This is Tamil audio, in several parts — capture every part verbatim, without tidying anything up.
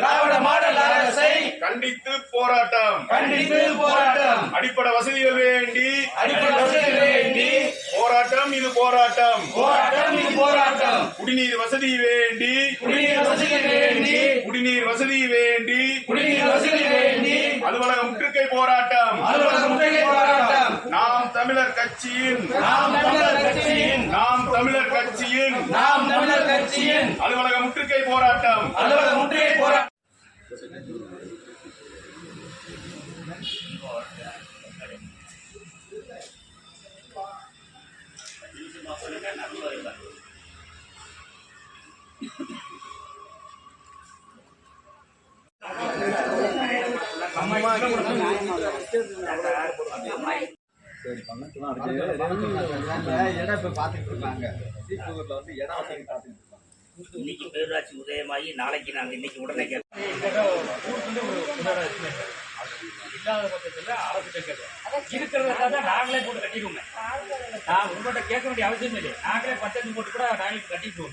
திராவிட மாடல் அரசை கண்டித்து போராட்டம் கண்டித்து போராட்டம். அடிப்படை வசதிகள் வேண்டி அடிப்படை வசதிகள் வேண்டி போராட்டம் இது போராட்டம் போராட்டம் இது போராட்டம். குடிநீர் வசதி வேண்டி குடிநீர் வசதி வேண்டி குடிநீர் வசதி வேண்டி குடிநீர் வசதி வேண்டி அலுவலக முற்றுகை போராட்டம் அலுவலக முற்றுகை போராட்டம். நாம் தமிழர் கட்சியின் நாம் தமிழர் கட்சியின் நாம் தமிழர் கட்சியின் நாம் தமிழர் கட்சியின் அலுவலக முற்றுகை போராட்டம் அலுவலக முற்றுகை போராட்டம். சரி பண்ணலாம் இடம் இப்போ பார்த்துட்டு இருக்காங்க. சீப்பூரில் வந்து இடம் வசதி பார்த்துட்டு இருக்காங்க. இன்னைக்கு பேரூராட்சி உதயமாகி நாளைக்கு நாங்கள் இன்னைக்கு உடனே கேட்போம். இல்லாத பட்சத்தில் அரசு கேட்கறது இருக்கிறத தான் நாங்களே போட்டு கட்டிடுவோங்க. நான் உங்கள்கிட்ட கேட்க வேண்டிய அவசியம் இல்லை. நாங்களே பட்ஜெட் போட்டு கூட நாங்களே கட்டிக்குவோங்க.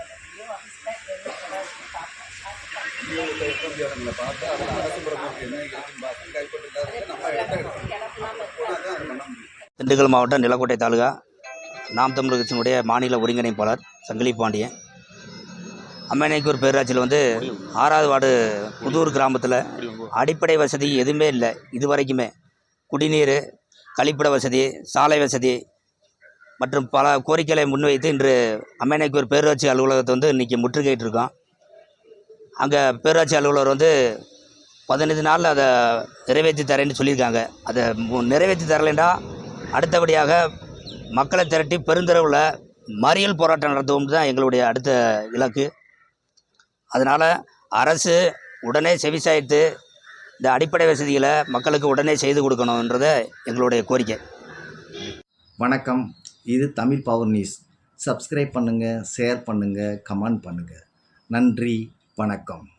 இடங்களை பார்த்து அதில் அரசு பிரமுக என்ன இருக்குன்னு பார்த்து கைப்பற்றி நம்ம இடத்த பண்ண முடியும். திண்டுக்கல் மாவட்டம் நிலக்கோட்டை தாலுகா நாம் தமிழர் கட்சியினுடைய மாநில ஒருங்கிணைப்பாளர் சங்கிலி பாண்டியன். அம்மனைக்கூர் பேரூராட்சியில் வந்து ஆறாவது வார்டு புதூர் கிராமத்தில் அடிப்படை வசதி எதுவுமே இல்லை. இது வரைக்குமே குடிநீர், கழிப்பிட வசதி, சாலை வசதி மற்றும் பல கோரிக்கைகளை முன்வைத்து இன்று அம்மனைக்கூர் பேரூராட்சி அலுவலகத்தை வந்து இன்றைக்கி முற்றுகையிட்டிருக்கோம். அங்கே பேரூராட்சி அலுவலர் வந்து பதினைந்து நாளில் அதை நிறைவேற்றி தரேன்னு சொல்லியிருக்காங்க. அதை நிறைவேற்றி தரலைன்னா அடுத்தபடியாக மக்களை திரட்டி பெருந்தரவில் மறியல் போராட்டம் நடத்துவோம் தான் எங்களுடைய அடுத்த இலக்கு. அதனால் அரசு உடனே செவிசாய்த்து இந்த அடிப்படை வசதிகளை மக்களுக்கு உடனே செய்து கொடுக்கணுன்றதை எங்களுடைய கோரிக்கை. வணக்கம், இது தமிழ் பவர் நியூஸ். சப்ஸ்கிரைப் பண்ணுங்கள், ஷேர் பண்ணுங்கள், கமெண்ட் பண்ணுங்கள். நன்றி, வணக்கம்.